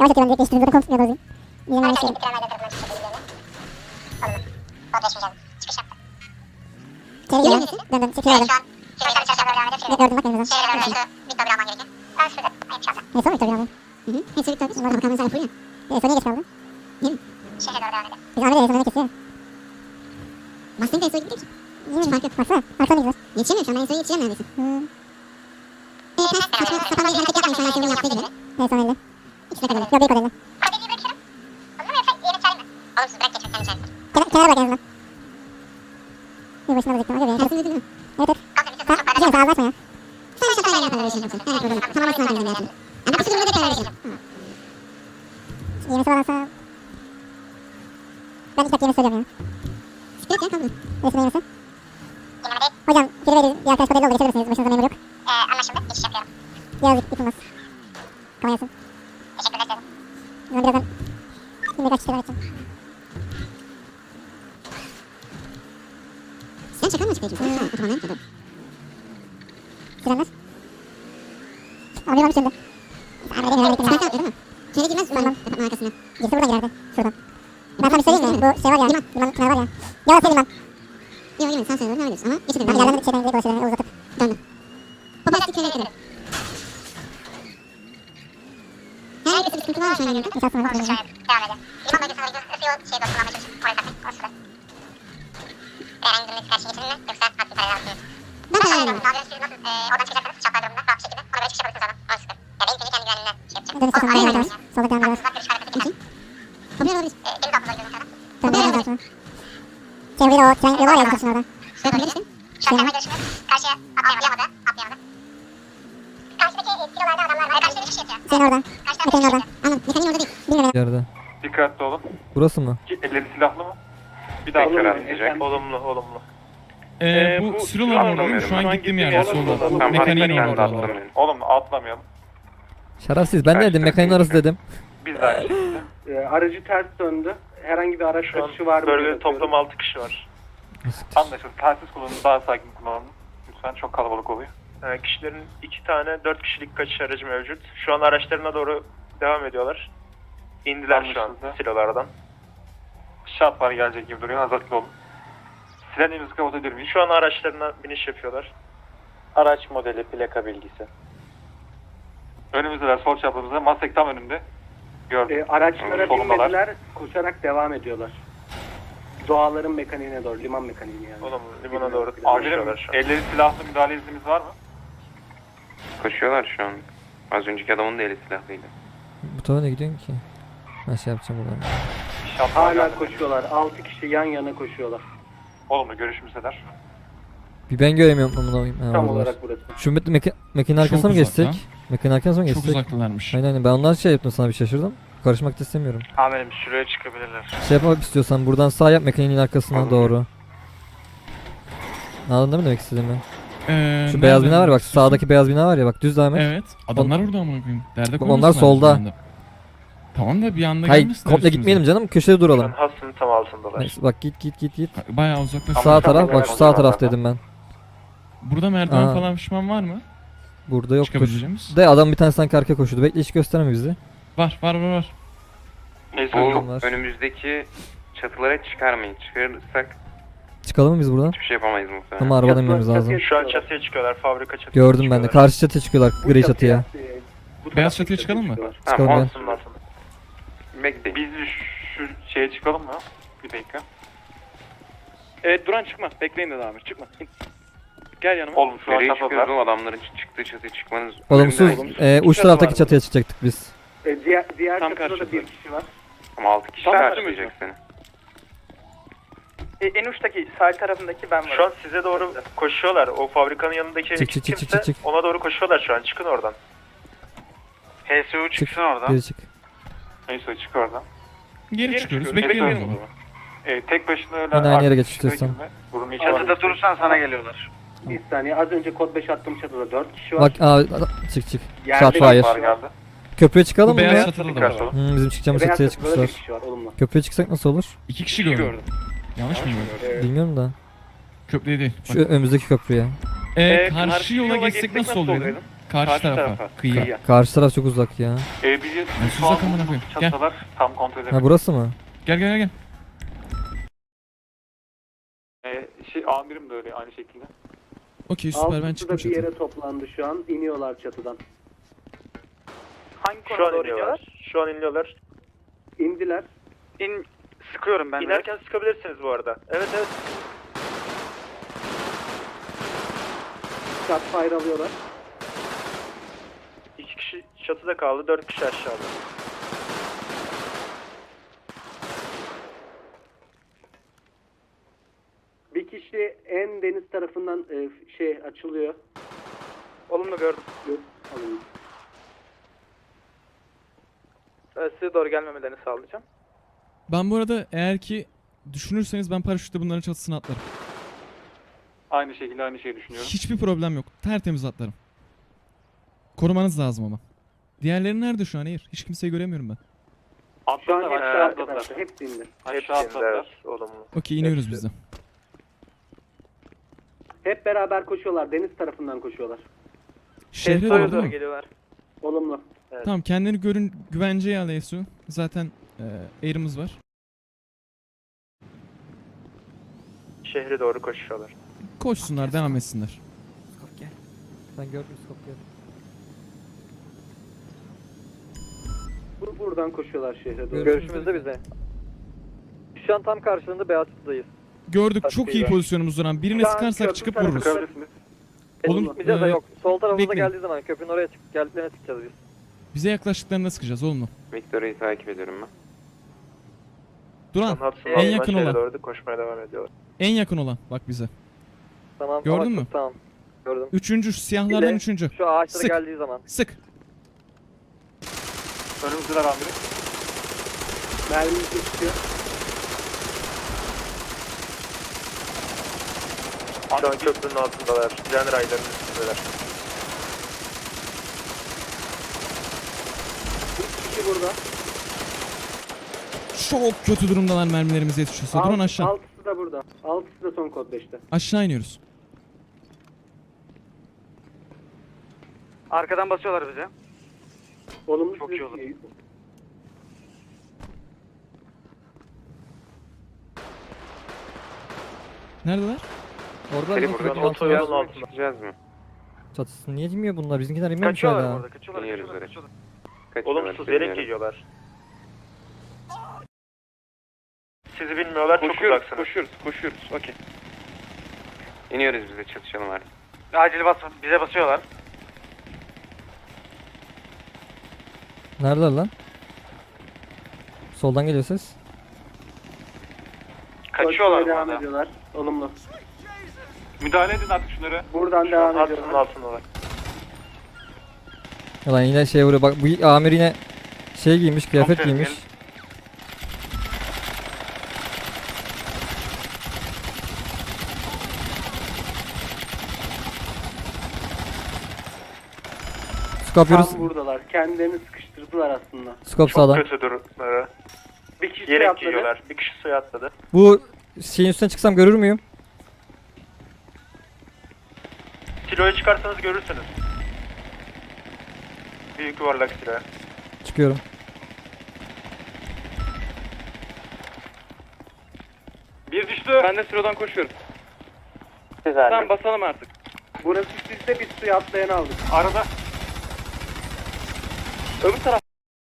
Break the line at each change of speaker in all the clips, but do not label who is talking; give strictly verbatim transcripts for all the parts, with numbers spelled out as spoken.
Yavaş atıyorum direkt geçtiğiniz zaten konuşmuyor dozayım. Yine yanlış yedim. Çevre geliyor. Dön dön. Çekil aldım. Ne gördüm bak benim zaten. Ne sonra Victor bir aldım. Hı hı. Hepsi Victor. Bunlar da bakalım sen full ya. E sonra niye geç kaldı? Değil mi? Biz Ahmet'e en sonunda kesiyor. Mustang da en sona gitti ki. Hiç fark yok. Baksana. Arkadan gidiyor. Yetişemiyorum şu an. Ben en sona yetişeceğim neredeyse. Hımm. Eee ters saçma sapan bir hareket yapmayın şu an Ersin'in yaptığı gibi. En son elde. İkisi de kadar. Yok büyük o elde. Kenar, kenara bırak en azından. Bir başına bıraktım. Hadi be. Ersin öldü değil mi? Evet evet. Ha, Cem sen ağzı açma ya. Sen şapayla yapalım böyle şimdi. Evet burada. Tamamlasın abi bizim hayatını. Yani bu durumda da karar vereceğim. Yemesi var alsam. Ben ilk hep yemesi söylüyorum ya. Sikret ya kaldı. Resmi yemesi. Hocam geri verin. Bir arkadaş kodayla oldu. Geçebilirsiniz. Başınızda memur yok.
Ee, anlaşıldı. Geçiş yapıyorum.
Birazcık yıkılmaz. Kamerasın.
Teşekkürler canım.
Ben birazdan şimdi kaç kişiler açacağım.
Sen çakal mı çıkıyorsun? Hmm. Otobandan ya da.
Sirenler. Abi varmış önde. Abi benim herhalde
Sen
kenara.
kalkıyor değil mi? Şöyle girmez
Tamam.
umarım kapatma arkasına.
Girse buradan girerdi. Şuradan. Ben sana bir söyleyeyim mi? Bu şey var ya. Liman. Liman kenarı var ya. Yalan söyle liman.
Yok yemin sen söyle ne biliyorsun ama geçelim.
Ben yerden şeyden direkt dolaşıyorum. Uzatıp.
Döndüm. Popastik köye gidelim. Herhangi bir sıkıntı var mı şu an yanında?
İnşaat sınavı.
Olsun şöyle. Devam edelim. Liman bölgesine doğru gidiyoruz. Isıyı şey dokuzlamaya çalışıp oraya takmayın. O süper. Herhangi bir karşı geçirin mi? Yoksa aktif parayla alsınız.
Ben karar
Aşağıya
veriyorum.
doğru. Daha siz nasıl e, oradan çıkacaksanız çaplar durumunda rahat bir şekilde ona göre çıkış yapabilirsiniz oradan. O süper. Ya benim kendi güvenliğimden şey yapacağım.
Dönüş
Oğlum,
çıkıyorum.
araya
Devam
gidiyoruz
ediyoruz.
ya.
Solda devam ediyoruz.
Aklınızda görüş hareketi
İki.
geçer.
Popüler olabilir.
E, deniz altında gidiyoruz sonra.
Dön devam ediyoruz sonra. Şey bir de o tren yolu var ya bizim orada.
Şuraya koyabilirsin.
Şu an görüşümüz karşıya atlayamadı. Atlayamadı. Karşıdaki e, silolarda adamlar var. Karşıda bir kişi yatıyor.
Senin oradan.
Karşıdan
Mete'nin
bir kişi
oradan.
yatıyor.
Anladım. Mekaniğin orada değil.
Bilmiyorum.
Yerde.
Dikkatli olun.
Burası mı?
Ki elleri silahlı mı? Bir daha
Olumlu,
karar verecek.
efendim.
Olumlu, olumlu.
Ee,
Ee,
bu
bu
silolar
silah
orada değil mi? Şu an gittiğim yerde solda. Bu
Tamam,
mekaniğin
hareketlerden
orada.
atlamayın. Olumlu, atlamayalım.
Şerefsiz ben ne dedim mekaniğin arası dedim.
Biz de aynı şekilde.
Ee, aracı ters döndü. Herhangi bir araç
Şu an
kaçışı var mı?
bölgede
diye
toplam
bakıyorum.
altı kişi var. Anlaşıldı. Telsiz kullanın, daha sakin kullanın. Lütfen, çok kalabalık oluyor. Ee, kişilerin iki tane dört kişilik kaçış aracı mevcut. Şu an araçlarına doğru devam ediyorlar. İndiler şu an silolardan. Şat var gelecek gibi duruyor. Hazırlıklı olun. Sirenlerinizi kapatabilir miyiz? Şu an araçlarına biniş yapıyorlar. Araç modeli, plaka bilgisi. Önümüzdeler, sol çaprazımızda. Mustang tam önümde. Gördüm.
Ee, araçlara
Solundalar.
binmediler, koşarak devam ediyorlar. Doğaların mekaniğine doğru, liman mekaniğine yani.
Oğlum limana doğru
Amirim,
koşuyorlar şu an. Elleri silahlı müdahale iznimiz var mı?
Koşuyorlar şu an. Az önceki adamın da eli silahlıydı.
Bu tarafa ne gidiyorsun ki? Ben şey yapacağım buradan.
Şatlar
Hala
geldi.
koşuyorlar. altı kişi yan yana koşuyorlar.
Olumlu görüşümüzdeler.
Bir ben göremiyorum bunu koyayım. Ha,
Tam
oradalar.
olarak burası.
Şu meka meka mekanın arkasına mı
Çok uzakta.
geçsek? Mekanın arkasına mı
Çok
geçsek?
uzaktalarmış.
Aynen aynen ben onlar şey yaptım sana bir şaşırdım. Karışmak da istemiyorum.
Amirim şuraya çıkabilirler.
Şey yapmak istiyorsan buradan sağ yap mekanın arkasına
Anladım.
doğru. Anladın değil mi demek istediğimi?
Ee,
Şu beyaz
nereden
bina var bak
istiyorsun?
sağdaki beyaz bina var ya bak düz devam et.
Evet. Adamlar orada amına koyayım. Derde
Onlar
koymasınlar
solda.
bir anda. Tamam da bir anda
Hayır
gelmesinler
komple
üstümüze.
gitmeyelim canım köşede
Şu an
duralım.
hastanın tam altındalar.
Neyse bak git git git git.
Bayağı uzakta.
Sağ
Tamam,
taraf
tamam,
bak şu
tamam,
sağ taraf
tamam.
dedim ben.
Burada merdiven
Aa.
falan pişman var mı?
Burada yoktur.
Çıkabileceğimiz.
De adam bir tane sanki arkaya koşuyordu. Bekle hiç gösterme bizi.
Var var var var.
Neyse
Bu
Çok var.
önümüzdeki çatılara çıkarmayın. Çıkarırsak
Çıkalım mı biz buradan?
hiçbir şey yapamayız muhtemelen.
Ama arabadan inmemiz
Çatıya
lazım.
şu an
çıkıyorlar.
çatıya çıkıyorlar. Fabrika çatıya
Gördüm ben de.
çıkıyorlar.
Karşı çatıya çıkıyorlar.
Bu
Gri çatıya.
e, bu
Beyaz
taraftaki
çatıya çıkalım mı?
çıkıyorlar.
Çıkalım
Tamam,
ya.
Hastanın altında.
bekleyin.
Biz şu şeye çıkalım mı? Bir dakika.
Evet Duran çıkma. Bekleyin de Amir. Çıkma. Gel yanıma.
Oğlum şu an
Nereye çıkıyoruz
çatıdalar.
oğlum? Adamların çıktığı çatıya çıkmanız...
Olumsuz.
önümde.
E, uç
Çatı
taraftaki
var
çatıya çıkacaktık biz.
E, diğer diğer
Tam
çatıda da
karşıda.
bir kişi var.
Ama altı kişi
Tam
karşılayacak seni.
E, en uçtaki sağ tarafındaki ben varım.
Şu an size doğru koşuyorlar. O fabrikanın yanındaki
Çık, çık, çık,
kimse
çık, çık.
ona doğru koşuyorlar şu an. Çıkın oradan. H S U
Çık.
çıksın oradan.
Geri çık.
Neyse çık oradan.
Geri, çıkıyoruz.
çıkıyoruz.
Bekleyelim o
Bekleyelim
zaman.
Ee, tek başına öyle...
Yine aynı yere geç
arkadaşına
istiyorsan.
girme. Burun içi
Çatıda
var.
durursan sana geliyorlar.
Bir saniye. Az önce kod beş attığım çatıda dört kişi var.
Bak aa, çık çık.
Yerde
Shot
bir
fire.
Var geldi.
Köprüye çıkalım
Bu
mı
beyaz
ya?
çatıda da
Dikkatli
var.
olun.
Hmm, bizim çıkacağımız
Beyaz
çatıya
çatıda da bir
çıkmışlar.
kişi var. Olumlu.
Köprüye çıksak nasıl olur?
İki kişi gördüm. Yanlış mıyım?
Evet.
Bilmiyorum da.
Köprüye değil.
Şu önümüzdeki köprüye.
Ee,
Ee,
karşı yola geçsek nasıl olur dedim. Karşı, tarafa. Kıyıya.
Karşı taraf çok uzak ya.
Ee, bizi
Nasıl uzak amına koyayım? Gel.
çatsalar tam kontrol
Ha
edemedim.
burası mı?
Gel gel gel.
Ee, şey, amirim de öyle aynı şekilde.
Okey süper ben
Altısı da
çıktım
bir
çatıya.
yere toplandı şu an. İniyorlar çatıdan.
Hangi
Şu
konuda
an
doğru
iniyorlar.
iniyorlar?
Şu an iniyorlar.
İndiler.
İn... Sıkıyorum ben de.
İnerken sıkabilirsiniz bu arada. Evet evet.
Shot fire alıyorlar.
İki kişi çatıda kaldı, dört kişi aşağıda.
Bir kişi en deniz tarafından e, şey açılıyor.
Olumlu gördüm.
Yok, alın.
Ee, size doğru gelmemelerini sağlayacağım.
Ben bu arada eğer ki düşünürseniz ben paraşütle bunların çatısına atlarım.
Aynı şekilde aynı şeyi düşünüyorum.
Hiçbir problem yok. Tertemiz atlarım. Korumanız lazım ama. Diğerleri nerede şu an? Hayır. Hiç kimseyi göremiyorum ben.
Şu an hepsi
Aşağı
arkadaşlar.
atladılar.
Hepsi indi.
Aşağı atladılar. Olumlu.
Okey iniyoruz
Hepsi.
biz de.
Hep beraber koşuyorlar. Deniz tarafından koşuyorlar.
Şehre
Doğru
doğru değil
doğru
mi?
geliyorlar.
Olumlu.
Tamam kendini görün güvenceye al Esu. Zaten e, air'ımız var.
Şehre doğru koşuyorlar.
Koşsunlar devam etsinler.
Skop gel. Ben gördüm skop gel.
Bu buradan koşuyorlar şehre doğru.
Görüşümüzde
bize. Şu an tam karşılığında Beatrice'dayız.
Gördük
Tabii
çok iyi
ben.
pozisyonumuz duran. Birine
Şu an
sıkarsak
köprü
çıkıp
tarafı
vururuz.
sıkabilirsiniz.
Oğlum
Olumlu.
e,
yok. Sol tarafımıza
bekleyin.
geldiği zaman köprünün oraya çık geldiklerine çıkacağız biz.
Bize yaklaştıklarında sıkacağız oğlum mu?
Victoria'yı takip ediyorum ben.
Duran
Son Hudson
en
Hall'dan
yakın
şehre
olan.
doğru da koşmaya devam ediyorlar.
En yakın olan bak bize.
Tamam.
Gördün
ama
mü?
çok Tamam. Gördüm.
Üçüncü şu siyahlardan
Bir de
üçüncü.
Şu ağaçlara
Sık.
geldiği zaman.
Sık.
Önümüzdeler amirim.
Mermimiz geçiyor.
Şu an köprünün altındalar. Tren raylarının üstündeler.
Bir kişi burada.
Çok kötü durumdalar mermilerimize yetişiyorsa. Duran
Alt-
aşağı.
Altısı da burada. Altısı da son kod beşte.
Aşağı iniyoruz.
Arkadan basıyorlar bize.
Olumlu.
Çok
size-
iyi olur.
Neredeler?
Orada
Seni
mı?
buradan
Köprünün
otoyolun
altında.
altında.
Çıkacağız mı?
Çatısını niye inmiyor bunlar? Bizimkiler inmemiş
Kaçıyorlar
hala.
burada. Kaçıyorlar.
İniyoruz
Kaçıyorlar.
oraya.
kaçıyorlar.
Kaçıyorlar,
Olumsuz yere
bilmiyorum.
geliyorlar. Sizi bilmiyorlar, çok
Koşuyoruz,
uzaksınız.
koşuyoruz, koşuyoruz. Okey. İniyoruz biz de çatışalım artık.
Acil bas bize basıyorlar.
Neredeler lan? Soldan geliyor ses.
Kaçıyorlar
Koşmaya devam
burada.
ediyorlar. Olumlu.
Müdahale edin artık şunları.
Buradan
Şu an
devam
Hudson'ın
ediyorlar.
altındalar.
Ulan yine şey vuruyor. Bak bu amir yine şey giymiş, kıyafet
Komiserim,
giymiş. Skop yürü.
Tam buradalar. Kendilerini sıkıştırdılar aslında.
Skop
Çok
sağdan.
kötü durumları.
Bir kişi
Yere
atladı.
giyiyorlar. Bir kişi suya atladı.
Bu şeyin üstüne çıksam görür müyüm?
Siloyu çıkarsanız görürsünüz. Büyük yuvarlak silo.
Çıkıyorum.
Bir düştü.
Ben de sıradan koşuyorum.
Güzel.
Tamam basalım artık.
Burası sizde, biz suya atlayan aldık.
Arada
Öbür taraf.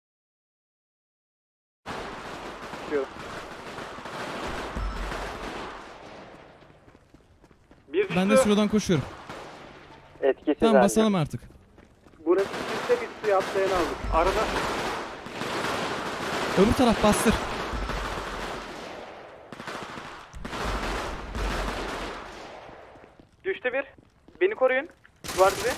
bir düştü.
Ben de sıradan koşuyorum.
Etkisiz
Tamam basalım artık.
Burası sizde, biz suya atlayan aldık.
Arada
Öbür taraf bastır.
Düştü bir. Beni koruyun. Duvar dibi.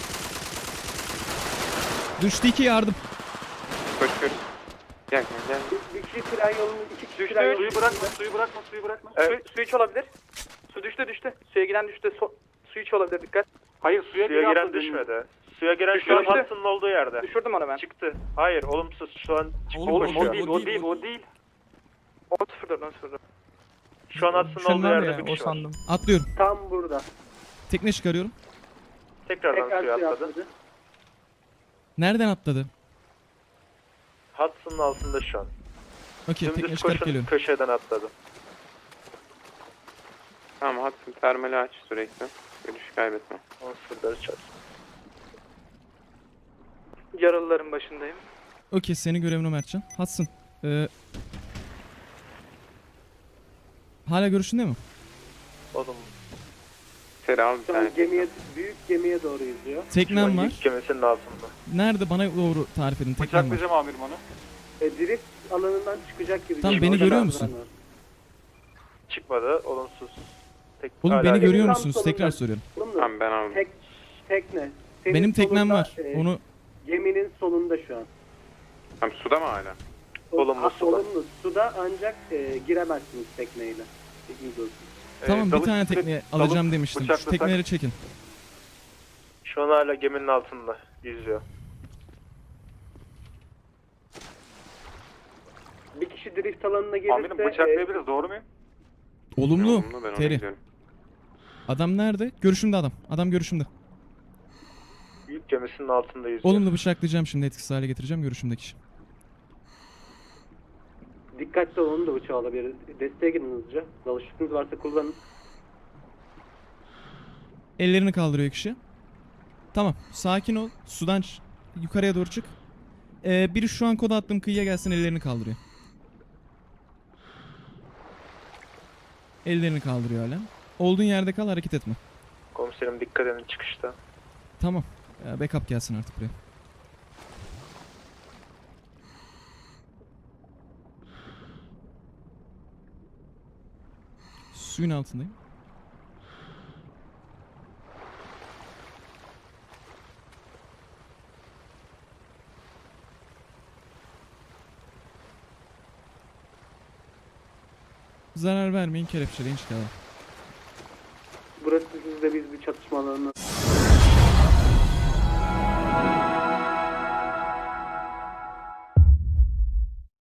Düştü iki yardım.
Koşuyoruz. Gel gel.
Bir, bir kişi tren yolunu, iki kişi
Düştü.
tren yolunu.
suyu bırakma, suyu bırakma, suyu bırakma.
Su, su iç olabilir. Su düştü düştü. Suya giden düştü. So, su iç olabilir dikkat.
Hayır, suya,
Suya
giren
atladı.
düşmedi. Suya giren
Düştü,
şu an
düştü.
Hudson'ın olduğu yerde.
Düşürdüm onu ben.
Çıktı. Hayır, olumsuz. Şu an çıktı
Oğlum,
koşuyor.
o değil, o değil,
o değil.
on sıfır dört on sıfır dört.
Şu an Hudson'ın olduğu yerde bir kişi var.
Atlıyorum.
Tam burada.
Tekne çıkarıyorum.
Tekrardan
Tekrar
suya
suya
atladı.
atladı.
Nereden atladı?
Hudson'ın altında şu an.
Okey, tekne
Dümdüz
çıkarıp
koşun,
geliyorum.
köşeden atladı.
Tamam Hudson termali aç sürekli. Görüş kaybetme.
on sıfır çarpsın.
Yaralıların başındayım.
Okey, senin görevin o Mertcan. Hudson. Ee, hala görüşünde mi?
Oğlum
Seri al bir
Şu an
tane.
gemiye, büyük gemiye doğru yüzüyor.
Teknem var.
yük gemisinin altında.
Nerede? Bana doğru tarif edin. Teknem var.
amirim onu.
E, drift alanından çıkacak gibi.
Tamam,
geliyor.
beni
Orada
görüyor
da
musun?
var.
Çıkmadı. Olumsuz. Tek,
Oğlum
hala
beni
gemi-
görüyor
Tam
musunuz?
solunda.
Tekrar soruyorum.
Oğlum da
Tamam ben aldım.
Tek, tekne. Senin
Benim teknem
solunda,
var.
e,
Onu
Geminin solunda şu an.
Tamam suda mı hala?
Olumlu
Ha,
suda.
Olumlu. Suda ancak e, giremezsiniz tekneyle. Bilginiz olsun.
Ee,
tamam, bir
dalıp-
tane tekne
dalıp
alacağım demiştim. Şu
bıçaklasak-
tekneleri çekin.
Şu an hala geminin altında yüzüyor.
Bir kişi drift alanına gelirse e,
doğru muyum?
Olumlu.
Olumlu, ben ona
Teri.
gidiyorum.
Adam nerede? Görüşümde adam. Adam görüşümde.
Yük gemisinin altında yüzüyor.
Olumlu bıçaklayacağım şimdi, etkisiz hale getireceğim görüşümdeki kişi.
dikkatli olun da bıçağı alabiliriz. Desteğe girin hızlıca. Dalışıkınız varsa kullanın.
Ellerini kaldırıyor kişi. Tamam, sakin ol. Sudan ç- yukarıya doğru çık. Ee, biri şu an koda attığım kıyıya gelsin, ellerini kaldırıyor. Ellerini kaldırıyor hala. Olduğun yerde kal, hareket etme.
Komiserim dikkat edin çıkışta.
Tamam. Ee, backup gelsin artık buraya. Suyun altındayım. Zarar vermeyin, kelepçeleyin çıkalım.
Burası sizde biz bir çatışma alanına